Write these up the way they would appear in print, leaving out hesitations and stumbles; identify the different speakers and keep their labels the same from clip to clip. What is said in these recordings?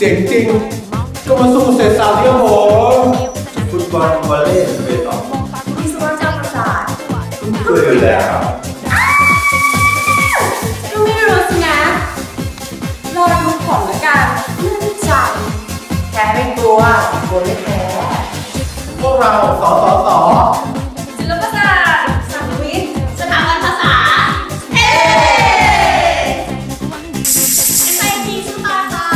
Speaker 1: จ๋งจริงก็มาสู้เศษสาวที่ครับผม
Speaker 2: ฟุตบอลวอลเลย์เบสบอล
Speaker 3: วิศวกรรมศาสตร์
Speaker 2: ก็อยู่แล้ว
Speaker 3: ก็ไม่รู้สินะรอดูผลแล้วกันเรื่องใจแพ้ไม่กลัวกลัวไม่แพ้
Speaker 2: พวกเราส
Speaker 3: ศิลปศาสตร์สังคมวิทย์สถาบันภาษาSIT สุภาษา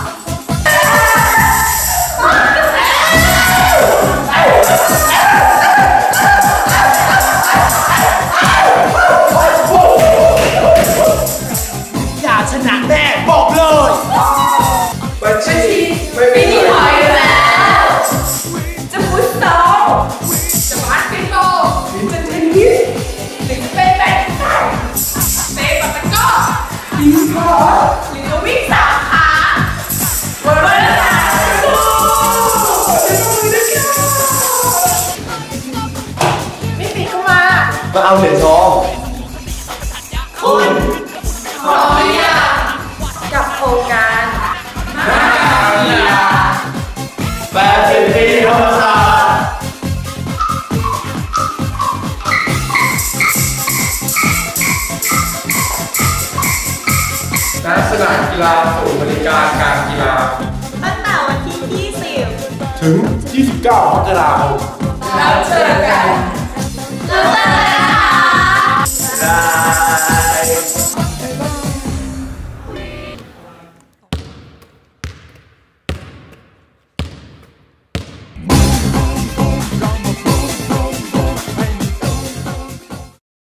Speaker 1: อย่าชนะแน่บอกเลย
Speaker 2: บัญชี
Speaker 3: ไม่มีถอยแล้วจะฟุตซอลจะบาสเกตบอลจะเทนนิสหรือจะเป็นแบดมินตันเตะปัตตะก้อบิงบอลหรือจะวิ่ง3 ขาวันละไม่ปีก็มา
Speaker 2: เอาเหรียญทอง
Speaker 3: คุณขอกับโครงการ
Speaker 2: 80 ปีธรรมศาสตร์
Speaker 1: ณสนามกีฬาศูนย์บริการการกีฬา
Speaker 3: ตั้งแต่วันที่20
Speaker 1: ถึง 29 มกราคม
Speaker 3: แล้วเจอกัน